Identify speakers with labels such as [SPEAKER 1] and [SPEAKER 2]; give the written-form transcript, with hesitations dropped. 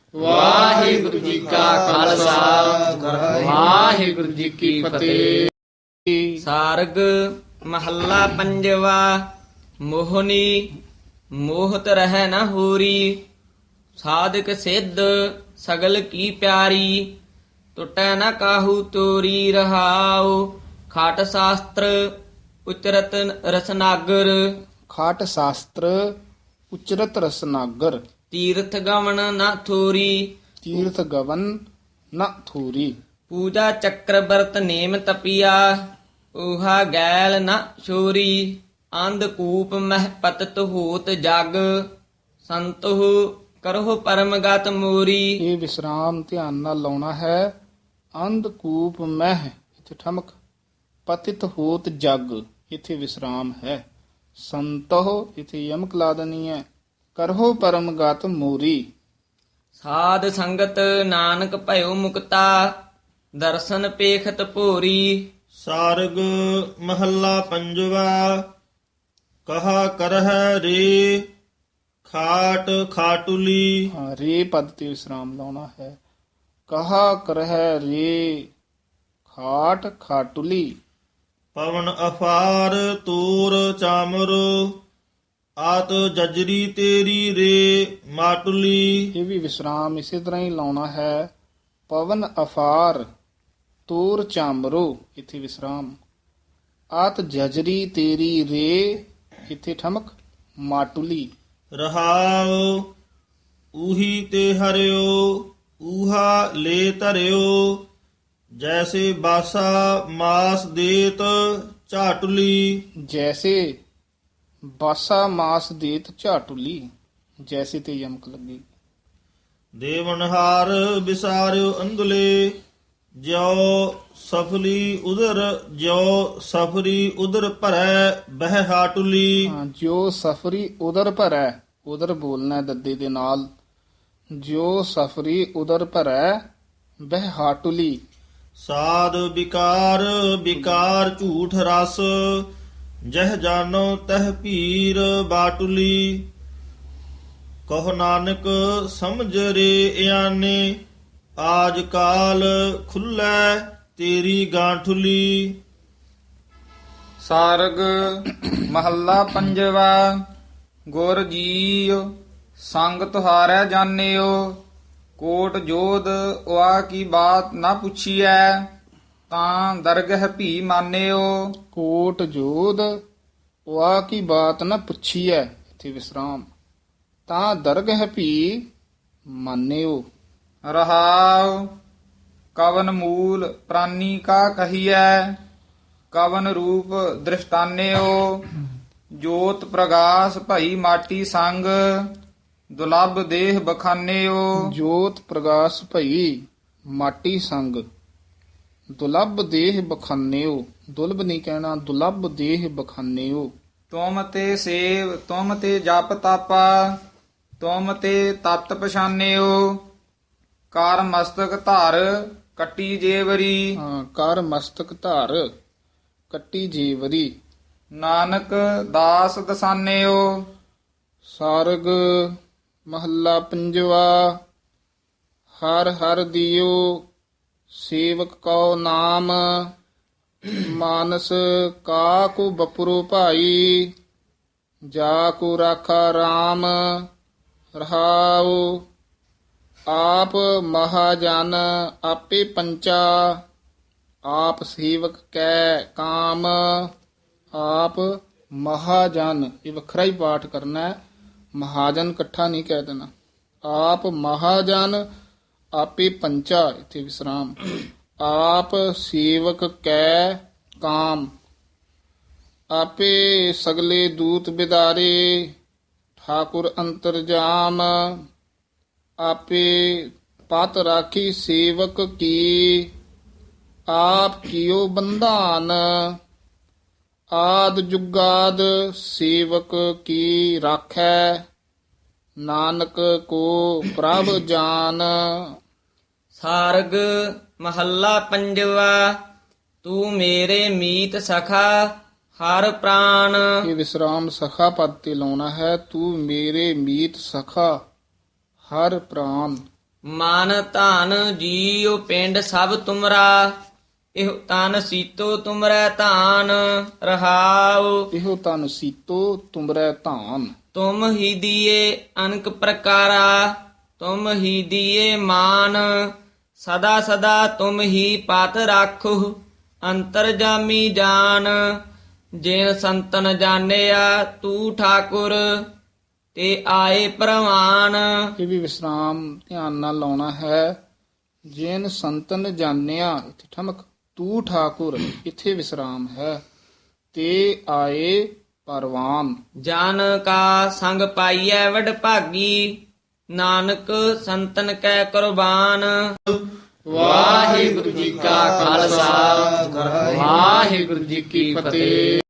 [SPEAKER 1] ਵਾਹਿਗੁਰੂ ਜੀ ਕਾ ਖਾਲਸਾ ਵਾਹਿਗੁਰੂ ਜੀ ਕੀ ਫਤਿਹ।
[SPEAKER 2] ਸਾਰਗ ਮਹੱਲਾ ਪੰਜਵਾ। ਮੋਹਨੀ ਮੋਹਤ ਰਹਿ ਨ ਹੋਰੀ, ਸਾਧਕ ਸਿੱਧ ਸਗਲ ਕੀ ਪਿਆਰੀ। ਟੁੱਟੈ ਨ ਕਾਹੂ ਤੋਰੀ, ਰਹਾਉ ਖਾਟ ਸ਼ਾਸਤਰ ਉਚਰਤ ਰਸਨਾਗਰ।
[SPEAKER 1] ਖਾਟ ਸ਼ਾਸਤਰ ਉਚਰਤ ਰਸਨਾਗਰ,
[SPEAKER 2] ਤੀਰਥ ਗਮਨ ਨ ਥੋਰੀ,
[SPEAKER 1] ਤੀਰਥ ਗਵਨ ਨ ਥੂਰੀ।
[SPEAKER 2] ਪੂਜਾ ਚੱਕਰ ਬਰਤ ਨੇਮ ਤਪੀਆ, ਊਹਾ ਗੈਲ ਨ ਛੋਰੀ। ਅੰਧ ਕੂਪ ਮਹਿ ਪਤਤ ਹੋਤ ਜਗ, ਸੰਤਹੁ ਕਰਹੁ ਪਰਮਗਤ ਮੋਰੀ।
[SPEAKER 1] ਇਹ ਵਿਸਰਾਮ ਧਿਆਨ ਨਾਲ ਲਾਉਣਾ ਹੈ। ਅੰਧਕੂਪ ਮਹਿ ਇੱਥੇ ਠਮਕ, ਪਤਿਤ ਹੋਤ ਜਗ ਇੱਥੇ ਵਿਸਰਾਮ ਹੈ। ਸੰਤੋ ਇੱਥੇ ਯਮਕ ਲਾ ਦੇਣੀ ਹੈ। ਕਰਹੁ ਪਰਮਗਤ ਮੋਰੀ।
[SPEAKER 2] ਸਾਧ ਸੰਗਤ ਨਾਨਕ ਭਇਓ ਮੁਕਤਾ, ਦਰਸ਼ਨ ਪੇਖਤ ਭੋਰੀ।
[SPEAKER 3] ਸਾਰਗ ਮਹੱਲਾ ਪੰਜਵਾ। ਕਹਾ ਕਰਹਿ ਰੇ ਖਾਟ ਖਾਟੁਲੀ,
[SPEAKER 1] ਹਾਂ, ਰੇ ਪਦ ਤੇ ਵਿਸਰਾਮ ਲਾਉਣਾ ਹੈ। ਕਹਾ ਕਰਹਿ ਰੇ ਖਾਟ ਖਾਟੁਲੀ।
[SPEAKER 3] ਪਵਨ ਅਫਾਰ ਤੂਰ ਚਾਮਰ, ਆਤ ਜਜਰੀ ਤੇਰੀ ਰੇ ਮਾਟੁਲੀ।
[SPEAKER 1] ਇਹ ਵੀ ਵਿਸਰਾਮ ਇਸੇ ਤਰ੍ਹਾਂ ਹੀ ਲਾਉਣਾ ਹੈ। ਪਵਨ ਅਫਾਰ ਤੂਰ ਚਾਮਰੋ ਇੱਥੇ ਵਿਸਰਾਮ। ਆਤ ਜਜਰੀ ਤੇਰੀ ਰੇ ਇੱਥੇ ਠਮਕ, ਮਾਟੁਲੀ।
[SPEAKER 3] ਰਹਾਉ ਊਹੀ ਤੇ ਹਰਿਓ, ਊਹਾ ਲੈ ਧਰਿਓ। ਜੈਸੇ ਬਾਸਾ ਮਾਸ ਦੇਤ ਝਾਟੁਲੀ,
[SPEAKER 1] ਜੈਸੇ ਬਾਸਾ ਮਾਸ ਦੇਤ ਝਾਟੁਲੀ। ਜੈਸੇ ਤੇ ਯਮਕ ਲੱਗੀ।
[SPEAKER 3] ਦੇਵਨਹਾਰ ਵਿਸਾਰਿਓ ਅੰਧਲੇ, ਜਿਉ ਸਫਲੀ ਉਦਰ ਜਿਉ ਸਫਰੀ ਉਦਰ ਭਰੈ ਬਹਿ ਹਾਟੁਲੀ।
[SPEAKER 1] ਹਾਂ, ਜੋ ਸਫਰੀ ਉਦਰ ਭਰੈ, ਉਦਰ ਬੋਲਣਾ ਹੈ ਦੱਦੇ ਦੇ ਨਾਲ। ਜੋ ਸਫਰੀ ਉਦਰ ਭਰੈ ਬਹਿ ਹਾਟੁਲੀ।
[SPEAKER 3] ਸਾਧ ਵਿਕਾਰ ਵਿਕਾਰ ਝੂਠ ਰਸ, ਜਹ ਜਾਨੋ ਤਹ ਭੀਰ ਬਾਟੁਲੀ। ਕਹੋ ਨਾਨਕ ਸਮਝ ਰੇ ਇਆਨੇ, ਆਜ ਕਾਲ ਖੁੱਲੈ ਤੇਰੀ ਗਾਂਠੁਲੀ।
[SPEAKER 4] ਸਾਰਗ ਮਹੱਲਾ ਪੰਜਵਾ। ਗੁਰ ਜੀਉ ਸੰਗ ਤੁਹਾਰੈ ਜਾਣਿਓ, ਕੋਟ ਜੋਧ ਉਆ ਕੀ ਬਾਤ ਨਾ ਪੁੱਛੀਐ, ਤਾਂ ਦਰਗਹ ਭੀ ਮਾਨਿਓ।
[SPEAKER 1] ਕੋਟ ਜੋਧ ਵਾ ਕੀ ਬਾਤ ਨ ਪੁੱਛੀਐ ਇੱਥੇ ਵਿਸਰਾਮ। ਤਾਂ ਦਰਗਹ ਭੀ ਮਾਨਿਓ।
[SPEAKER 4] ਰਹਾਉ ਕਵਨ ਮੂਲ ਪ੍ਰਾਨੀ ਕਾ ਕਹੀਐ, ਕਵਨ ਰੂਪ ਦ੍ਰਿਸ਼ਟਾਨਿਓ। ਜੋਤ ਪ੍ਰਗਾਸ ਭਈ ਮਾਟੀ ਸੰਗ, ਦੁਲੱਭ ਦੇਹ ਬਖਾਨਿਓ।
[SPEAKER 1] ਜੋਤ ਪ੍ਰਗਾਸ ਭਈ ਮਾਟੀ ਸੰਗ, ਦੁਲੱਭ ਦੇਹ ਬਖਾਨਿਓ। ਦੁਲਬ ਨਹੀਂ ਕਹਿਣਾ, ਦੁਲੱਭ ਦੇਹ ਬਖਾਨਿਓ।
[SPEAKER 4] ਤੁਮ ਤੇ ਸੇਵ ਤੁਮ ਤੇ ਜਪ ਤਾਪਾ, ਤੁਮ ਤੇ ਤਤ ਪਛਾਨਿਓ। ਕਰ ਮਸਤਕ ਧਰ ਕੱਟੀ ਜੇਵਰੀ,
[SPEAKER 1] ਹਾਂ, ਕਰ ਮਸਤਕ ਧਾਰ ਕੱਟੀ ਜੀਵਰੀ।
[SPEAKER 4] ਨਾਨਕ ਦਾਸ ਦਸਾਨਿਓ।
[SPEAKER 1] ਸਾਰਗ ਮਹੱਲਾ ਪੰਜਵਾ। ਹਰ ਹਰ ਦਿਓ ਸੇਵਕ ਕਉ ਨਾਮ, ਮਾਨਸ ਕਾਕੂ ਬਪੁਰੂ ਭਾਈ। ਜਾ ਕੋ ਰਾਖਾ RAM ਰਹਾਉ, ਆਪ ਮਹਾਜਨ ਆਪੇ ਪੰਚਾ। ਆਪ ਸੇਵਕ ਕੈ ਕਾਮ, ਆਪ ਮਹਾਜਨ ਇਹ ਵੱਖਰਾ ਹੀ ਪਾਠ ਕਰਨਾ ਹੈ। ਮਹਾਜਨ ਇਕੱਠਾ ਨਹੀਂ ਕਹਿ ਦੇਣਾ। ਆਪ ਮਹਾਜਨ ਆਪੇ ਪੰਚਾ ਇੱਥੇ ਵਿਸਰਾਮ। ਆਪ ਸੇਵਕ ਕੈ ਕਾਮ, ਆਪੇ ਸਗਲੇ ਦੂਤ ਬਿਦਾਰੇ। ਠਾਕੁਰ ਅੰਤਰਜਾਮ, ਆਪੇ ਪਤ ਰਾਖੀ ਸੇਵਕ ਕੀ। ਆਪ ਕੀਓ ਬੰਧਾਨ, ਆਦ ਜੁਗਾਦ ਸੇਵਕ ਕੀ ਰਾਖੈ। ਨਾਨਕ ਕੋ ਪ੍ਰਭ ਜਾਨ।
[SPEAKER 2] ਸਾਰਗ ਮਹੱਲਾ ਪੰਜਵਾ। ਤੂੰ ਮੇਰੇ ਮੀਤ ਸਖਾ ਹਰ ਪ੍ਰਾਨ।
[SPEAKER 1] ਇਹ ਵਿਸਰਾਮ ਸਖਾ ਪਦ ਤੇ ਲਾਉਣਾ ਹੈ। ਤੂੰ ਮੇਰੇ ਮੀਤ ਸਖਾ ਹਰ ਪ੍ਰਾਨ।
[SPEAKER 2] ਮਨ ਧਨ ਜੀਉ ਪਿੰਡ ਸਭ ਤੁਮਰਾ ਇਹ ਤਨ ਸੀਤੋ ਤੁਮਰੈ ਧਾਨ ਰਹਾਉ
[SPEAKER 1] ਇਹੋ ਤਨ ਸੀਤੋ ਤੁਮਰੈ ਧਾਨ।
[SPEAKER 2] ਤੁਮ ਹੀ ਦੀਏ ਅਨਕ ਪ੍ਰਕਾਰਾ ਤੁਮ ਹੀ ਦੀਏ ਮਾਨ ਸਦਾ ਸਦਾ ਤੁਮ ਹੀ ਪਤ ਰਾਖੋ ਅੰਤਰਜਾਮੀ ਜਾਨ ਜਿਨ ਸੰਤਨ ਜਾਣਿਆ ਤੂੰ ਠਾਕੁਰ ਤੇ ਆਏ ਪ੍ਰਵਾਨ।
[SPEAKER 1] ਇਹ ਵੀ ਵਿਸਰਾਮ ਧਿਆਨ ਨਾਲ ਲਾਉਣਾ ਹੈ। ਜਿਨ ਸੰਤਨ ਜਾਣਿਆ ਇੱਥੇ ਠਮਕ, ਤੂੰ ਠਾਕੁਰ ਇੱਥੇ ਵਿਸਰਾਮ ਹੈ। ਤੇ ਆਏ ਪਰਵਾਨ।
[SPEAKER 2] ਜਨ ਕਾ ਸੰਗ ਪਾਈਐ ਵਡ ਭਾਗੀ ਨਾਨਕ ਸੰਤਨ ਕੈ ਕੁਰਬਾਨ।
[SPEAKER 1] ਵਾਹਿਗੁਰੂ ਜੀ ਕਾ ਖਾਲਸਾ ਵਾਹਿਗੁਰੂ ਜੀ ਕੀ ਫਤਿਹ।